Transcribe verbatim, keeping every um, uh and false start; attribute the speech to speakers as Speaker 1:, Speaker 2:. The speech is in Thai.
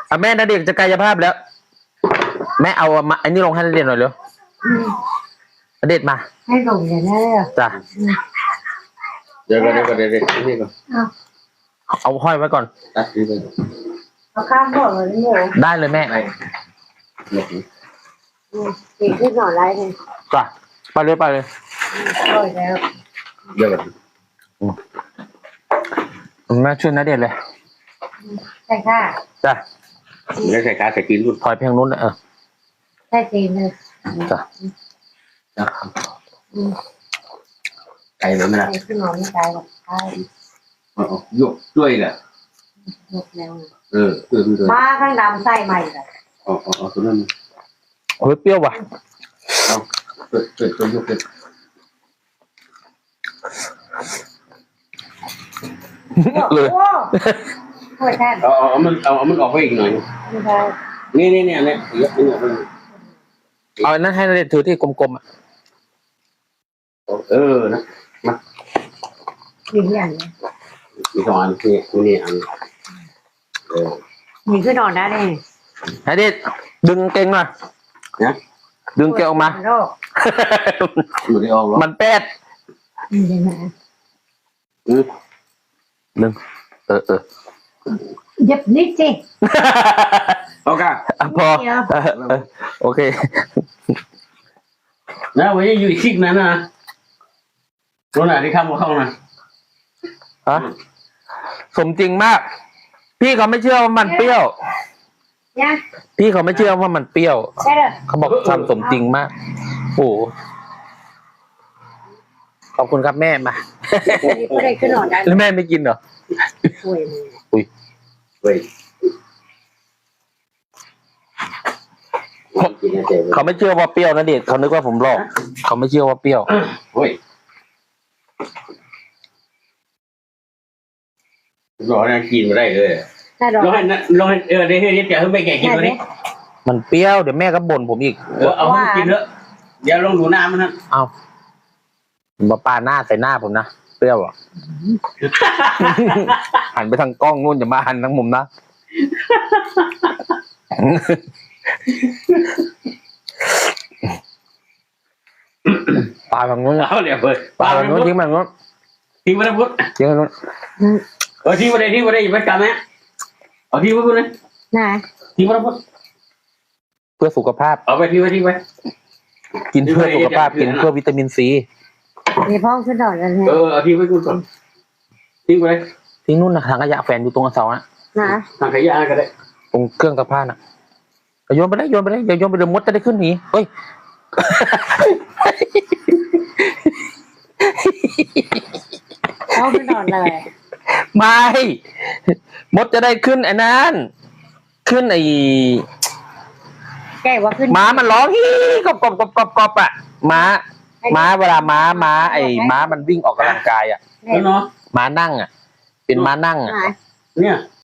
Speaker 1: อ่ะแม่ณเดชน์จะกายภาพแล้ว แม่เอามาอันนี้ลงให้ณเดชน์หน่อยเร็วณเดชน์มา
Speaker 2: ให้ลงอย่างนี้เลย
Speaker 1: จ้ะ
Speaker 3: เดี๋ยวก่อนเดี๋ยวก่อนเดี๋ยวก่อนนี่ก่อน
Speaker 1: เอาห้อยไว้ก่อน
Speaker 3: ตัดนี่ไป
Speaker 2: เอาข้ามบ่อเลยนี่
Speaker 1: ได้เลยแม่
Speaker 2: ตีขึ้นหน่อไรเลย
Speaker 1: จ้ะไปเลยไปเลย
Speaker 2: โอ้ยแล้ว
Speaker 3: เดี๋ยวก่อน
Speaker 1: แม่ช่วยณเดชน์เลย
Speaker 2: ใช่ค่ะ
Speaker 1: จ้ะ
Speaker 3: แล้วใส่กาใส่กินรุ่น
Speaker 1: ถอยเพียงนู้นเออ
Speaker 2: ใช่จีนเลย
Speaker 1: จ้ะ
Speaker 3: ไก่เลยไหมล่ะ
Speaker 2: ขึ้นหน่อไม่ตายหรอกตาย
Speaker 3: ยกด้วยแหละ
Speaker 2: ยกแล้ว
Speaker 3: เออเออด้วย
Speaker 2: มาข้างดำไส้ใหม่เลย
Speaker 3: อ๋ออ๋อตัวนั้น
Speaker 1: โอ้ยเปรี้ยวว่ะ
Speaker 3: เอาเปิดเปิดตัวยกเลย
Speaker 1: เลย
Speaker 2: โอ้ยแท้
Speaker 3: เอาเอามันเอาเอามันออกไปอีกหน่อยนี่นี่เนี่ยเนี่ยยกนี่เอา
Speaker 1: เอาอันนั้นให้ณเดชน์ถือที่กลมๆอ่ะ
Speaker 3: เออนะมา
Speaker 2: มีอย่างนี้
Speaker 3: มีสองอันนี่นี่อันเออ
Speaker 2: มีขึ้นนอนได้เลย
Speaker 1: ณเดชน์ดึงเก่งหน่อย
Speaker 3: นะ
Speaker 1: ดึงเกลออกมา
Speaker 3: อยู่ในออก
Speaker 1: มันแป๊ดดึงเออเออ
Speaker 2: เย็บนิดสิ
Speaker 3: โอเค
Speaker 1: พอโอเค
Speaker 3: นะวันนี้อยู่อีกคลิปนั้นนะรู้ไหนที่ข้ามมาเข้านะ
Speaker 1: ฮะสมจริงมากพี่เขาไม่เชื่อว่ามันเปรี้ยวพี่เขาไม่เชื่อว่ามันเปรี้ยวเขาบอกทำสมจริงมากโอ้ขอบคุณครับแม่มา
Speaker 2: ไม่ได้ขึ้นนอนได้
Speaker 1: แล้วแม่ไม่กินเหรออุ้ย
Speaker 3: อุ้ย
Speaker 1: เขาไม่เชื่อว่าเปรี้ยวนะเด็กเขานึกว่าผมหลอกเขาไม่เชื่อว่าเปรี้ยว
Speaker 3: โอ้ยรอนะกินมาได้เลยรอให้รอให้เออเดี๋ยวเดี๋ยวจะให้ไปแกะกินตัวนี้
Speaker 1: มันเปรี้ยวเดี๋ยวแม่ก็บ่นผมอีก
Speaker 3: เออเอากินเถอะเดี๋ยวลองดูน้ำมันนะ
Speaker 1: เอามาปาหน้าใส่หน้าผมนะเปรี้ยวอ่ะหันไปทางกล้องนู่นอย่ามาหันทางมุมนะปาฝั่งนู้น
Speaker 3: เอาเดี๋ยวเปิด
Speaker 1: ปาฝั่งนู้นทิ้งฝั่งนู้น
Speaker 3: ทิ้งไปแล้วพุทธ
Speaker 1: ทิ้งฝั่งนู้น
Speaker 3: เออทิ้งไปเลยทิ้งไปเลยอย่าไปกันนะเอาทิ้งไปพุทธเลย
Speaker 2: ไหน
Speaker 3: ทิ้งไปแล้วพุทธ
Speaker 1: เพื่อสุขภาพ
Speaker 3: เอาไปทิ้งไปทิ้งไป
Speaker 1: กินเพื่อสุขภาพกินเพื่อวิตามินซี
Speaker 2: มีพ่อขึ้นดอกกัน
Speaker 3: เออเอาทิ้งไปกูก่อนทิ้งไปเลย
Speaker 1: ทิ้งนู่นนะถังขยะแฝนอยู่ตรงเสาอะ
Speaker 2: นะ
Speaker 3: ถังขยะก็ได้
Speaker 1: ตรงเครื่องซักผ้าน่ะโยนไปได้โยนไปได้อย่าโยนไปเดี๋ยวมดจะได้ขึ้นหนีเฮ้ย
Speaker 2: เอาขึ้นดอกเลย
Speaker 1: ไม่มดจะได้ขึ้นไอ้นั้นขึ้นไอ้
Speaker 2: แกว่าขึ้น
Speaker 1: ม้ามันร้องฮีกบกบกบกบกบอ่ะม้าม้าเวลาม้าม้าไอ้ม้ามันวิ่งออกกำลังกายอ่ะ
Speaker 3: เนาะ
Speaker 1: ม้านั่งอ่ะเป็นม้านั่งอ่ะ
Speaker 3: เนี่ย